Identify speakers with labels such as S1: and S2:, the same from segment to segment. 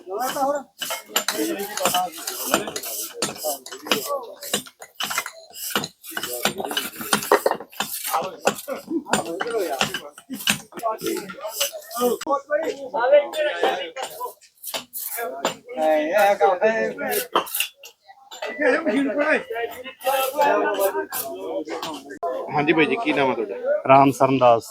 S1: हाँ जी भाई जी, की नाम है तुहाडा?
S2: राम सरनदास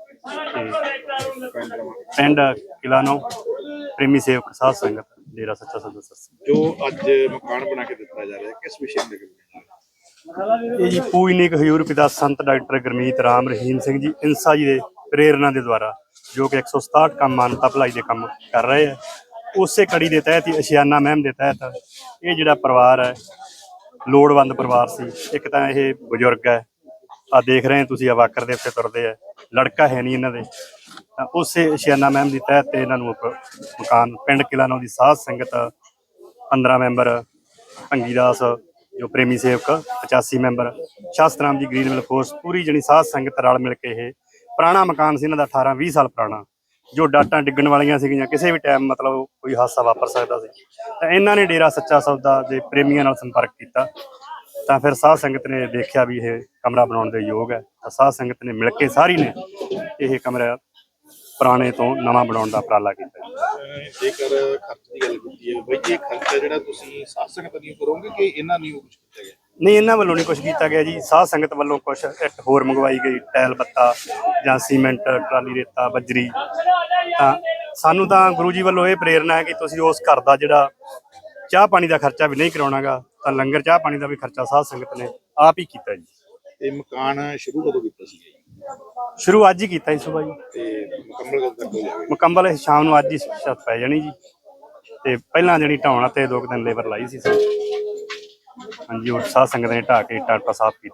S2: पिंड किलानो प्रेमी सेवक साध संगत डेरा सच्चा सौदा सत्संग।
S1: जो अज मकान बना के दिता जा रहा है, किस विषय में
S2: ये जी पूजनीक हजूर पिता संत डॉक्टर गुरमीत राम रहीम सिंह जी इंसा जी के प्रेरणा के द्वारा जो कि 167 काम मानता भलाई के काम कर रहे हैं, उस कड़ी के तहत ही अशियाना महम के तहत ये जोड़ा परिवार है लोड़वंद परिवार से एक तो ये बजुर्ग है आ देख रहे हैं तुम आ वाकर के उत्ते तुरते है लड़का है नहीं इन्होंने उस अशियाना महम की तहत इन्हों मकान पिंड किलानो की साध संगत 15 मैंबर भंगीदास जो प्रेमी सेवक 85 मैंबर शास्त्राम जी ग्रीन मिल फोर्स पूरी जनी साध संगत रल मिल के ये पुराना मकान से इन्हों 18-20 साल पुराना जो डाटा डिगन वालियां सीगियां किसी भी टाइम मतलब कोई हादसा वापर सकता सी इन्हों ने डेरा सच्चा सौदा के प्रेमियों नाल संपर्क किया तो फिर साध संगत ने देखा भी ये कमरा बनाने के योग है तो साध संगत ने मिल के सारी ने यह कमरा पुराने तो नवा बनाने का उपराला किया।
S1: जेकर खर्च की गल कीती है बई जी, खर्चा जिहड़ा तुसीं साध संगत नहीं करोगे कि इन्हां नहीं कुछ किया गया?
S2: नहीं इन्होंने वालों नहीं कुछ किया गया जी, साध संगत वालों कुछ इट होर मंगवाई गई टैल बत्ता जां सीमेंट ट्राली रेता बजरी सानू तो गुरु जी वालों ये प्रेरणा है कि तुसीं उस घर का जिहड़ा चाह पानी का खर्चा भी नहीं करवाना गा तो लंगर चाह पानी का भी खर्चा साध संगत ने आप ही किया जी।
S1: ते मकान शुरू कदों कीता सी जी?
S2: शुरू अज ही किया जी सुबह जी
S1: ते मुकम्मल कदों तक हो जाएगा?
S2: मुकम्मल शाम को अज ही छत पै जानी जी ते पहला जणी ढाउण ते 2 दिन लेबर लाई सी हाँ जी और साध संगत ने ढा के टाटा साफ की।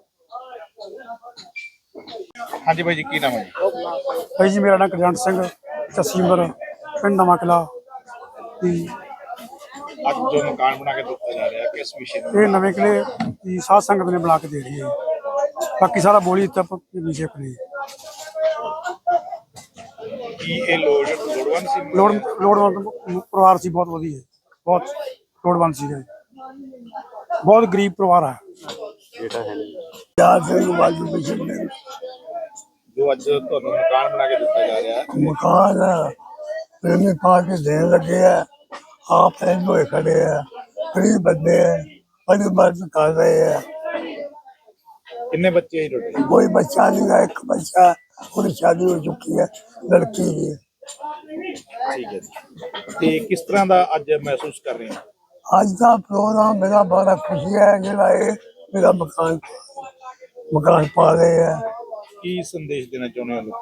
S1: हाँ जी भाई जी, की नाम है जी?
S3: भाई जी मेरा नाम कल्याण सिंह 80 उम्र पिंड नवा किला।
S1: आज जो मकान बना के दिता जा रहा है किस विषय में?
S3: ये नवे किले की साध संगत ने बना के दे रही है, बाकी सारा बोली तब नीचे अपने
S1: की ये लोड़वंद सी
S3: लोड़वंद परिवार सी, बहुत वधिया है, बहुत लोड़वंद सी है, बहुत गरीब परिवार है।
S1: जो अज तुहानू मकान बना के दिता जा रहा है
S4: मकान प्रेमी पार्टी देने लगे है, आप होए खड़े है, गरीब बंदे है, बड़ी मदद कर रहे हैं।
S1: कितने बच्चे हैं टोटल?
S4: कोई बच्चा नहीं है, एक बच्चा पूरी शादी हो चुकी है, लड़की की।
S1: ठीक है जी। ते किस तरह का अज महसूस कर रहे हैं?
S4: आज का प्रोग्राम मेरा बड़ा खुशी है जरा मेरा मकान पा रहे हैं।
S1: की संदेश देना चाहते हो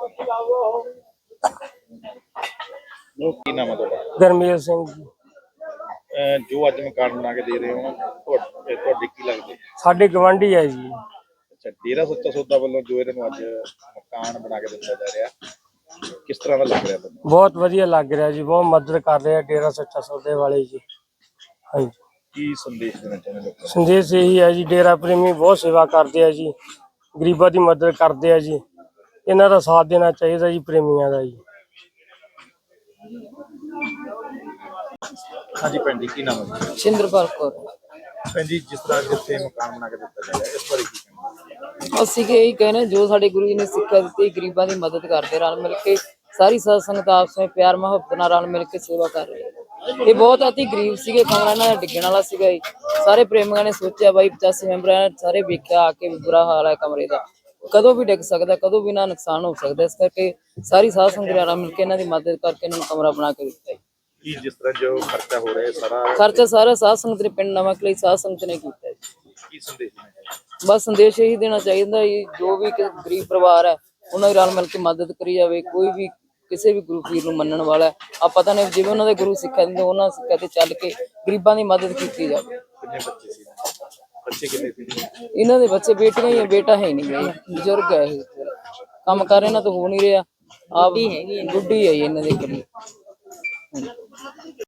S1: लोगों की नाम है तुहाडा?
S5: गरमेल सिंह जी
S1: जो अज मकान बना के दे रहे हो तुहाडे की लगदे?
S5: साडे गवांढी है जी।
S1: अच्छा, डेरा सच्चा सौदा वालों जो इन्होंने अज मकान बना के दिता जा रहा किस तरह का लग रहा है?
S5: बहुत वधिया लग रहा जी, बहुत मदद कर रहे हैं डेरा सच्चा सौदे वाले जी। हाँ जी,
S1: की संदेश देना चाहते हो?
S5: संदेश यही है जी, डेरा प्रेमी बहुत सेवा करते हैं जी, गरीबों की मदद करते हैं जी, इन्हों का साथ देना चाहिए जी प्रेमियों का जी।
S1: हाँ जी भैन जी, की नाम है?
S6: ਸਿੰਦਰਪਾਲ ਕੌਰ।
S1: ਭੈਣ ਜੀ, ਜਿਸ ਤਰ੍ਹਾਂ ਜਿੱਥੇ ਮਕਾਨ ਬਣਾ ਕੇ ਦਿੱਤਾ ਜਾ ਰਿਹਾ ਇਸ ਬਾਰੇ ਕੀ ਕਹਿਣਾ?
S6: ਅਸੀਂ ਕਿ ਇਹੀ ਕਹਿੰਦੇ ਜੋ ਸਾਡੇ ਗੁਰੂ ਜੀ ਨੇ ਸਿੱਖਿਆ ਦਿੱਤੀ, ਗਰੀਬਾਂ ਦੀ ਮਦਦ ਕਰਦੇ ਰਲ ਮਿਲ ਕੇ ਸਾਰੀ ਸਾਧ ਸੰਗਤ ਆਪਸ ਵਿੱਚ ਪਿਆਰ ਮੁਹੱਬਤ ਨਾਲ ਰਲ ਮਿਲ ਕੇ ਸੇਵਾ ਕਰ ਰਹੀ ਹੈ। ਇਹ ਬਹੁਤ ਅਤੀ ਗਰੀਬ ਸੀਗੇ, ਕਮਰਾ ਇਹਨਾਂ ਦਾ ਡਿੱਗਣ ਵਾਲਾ ਸੀਗਾ ਜੀ। ਸਾਰੇ ਪ੍ਰੇਮੀਆਂ ਨੇ ਸੋਚਿਆ ਬਾਈ 85 ਮੈਂਬਰਾਂ ਨੇ ਸਾਰੇ ਵੇਖਿਆ ਆ ਕੇ ਬੁਰਾ ਹਾਲ ਹੈ ਕਮਰੇ ਦਾ, ਕਦੋਂ ਵੀ ਡਿੱਗ ਸਕਦਾ, ਕਦੋਂ ਵੀ ਨਾ ਨੁਕਸਾਨ ਹੋ ਸਕਦਾ, ਇਸ ਕਰਕੇ ਸਾਰੀ ਸਾਧ ਸੰਗਤ ਰਲ ਮਿਲ ਕੇ ਇਹਨਾਂ ਦੀ ਮਦਦ ਕਰਕੇ ਇਹਨਾਂ ਨੂੰ ਕਮਰਾ ਬਣਾ ਕੇ ਦਿੱਤਾ ਜੀ।
S1: ਕੀ ਜਿਸ ਤਰ੍ਹਾਂ ਜੋ ਖਰਚਾ ਹੋ ਰਿਹਾ ਹੈ
S6: ਖਰਚਾ ਸਾਰਾ ਸਾਧ ਸੰਗਤ ਨੇ ਪਿੰਡ ਨਵਾਂ ਕਿਲੇ ਸਾਧ ਸੰਗਤ ਨੇ ਕੀਤਾ ਜੀ।
S1: ਕੀ ਸੰਦੇਸ਼ ਦੇਣਾ ਚਾਹੀਦਾ?
S6: ਬਸ ਸੰਦੇਸ਼ ਇਹੀ ਦੇਣਾ ਚਾਹੀਦਾ ਜੀ, ਜੋ ਵੀ ਗਰੀਬ ਪਰਿਵਾਰ ਹੈ ਉਹਨਾਂ ਦੀ ਰਲ ਮਿਲ ਕੇ ਮਦਦ ਕਰੀ ਜਾਵੇ। ਕੋਈ ਵੀ ਕਿਸੇ ਵੀ ਗੁਰੂ ਪੀਰ ਨੂੰ ਮੰਨਣ ਵਾਲਾ ਆ ਪਤਾ ਨਹੀਂ ਜਿਵੇਂ ਉਹਨਾਂ ਦੇ ਗੁਰੂ ਸਿੱਖਿਆ ਦਿੰਦੇ ਉਹਨਾਂ ਸਿੱਖਿਆ ਤੇ ਚੱਲ ਕੇ ਗਰੀਬਾਂ ਦੀ ਮਦਦ ਕੀਤੀ ਜਾਵੇ।
S1: ਕਿੰਨੇ ਬੱਚੇ ਸੀ? ਬੱਚੇ ਕਿੰਨੇ ਸੀ?
S6: ਇਹਨਾਂ ਦੇ ਬੱਚੇ ਬੇਟੀਆਂ ਹੀ, ਬੇਟਾ ਹੈ ਨਹੀਂ ਗਾ, ਬਜ਼ੁਰਗ ਹੈ ਇਹ, ਕੰਮ ਕਰ ਇਹਨਾਂ ਤੋਂ ਹੋ ਨਹੀਂ ਰਿਹਾ, ਆਪ ਬੁੱਢੀ ਹੈ ਇਹਨਾਂ ਦੇ ਕੋਲ।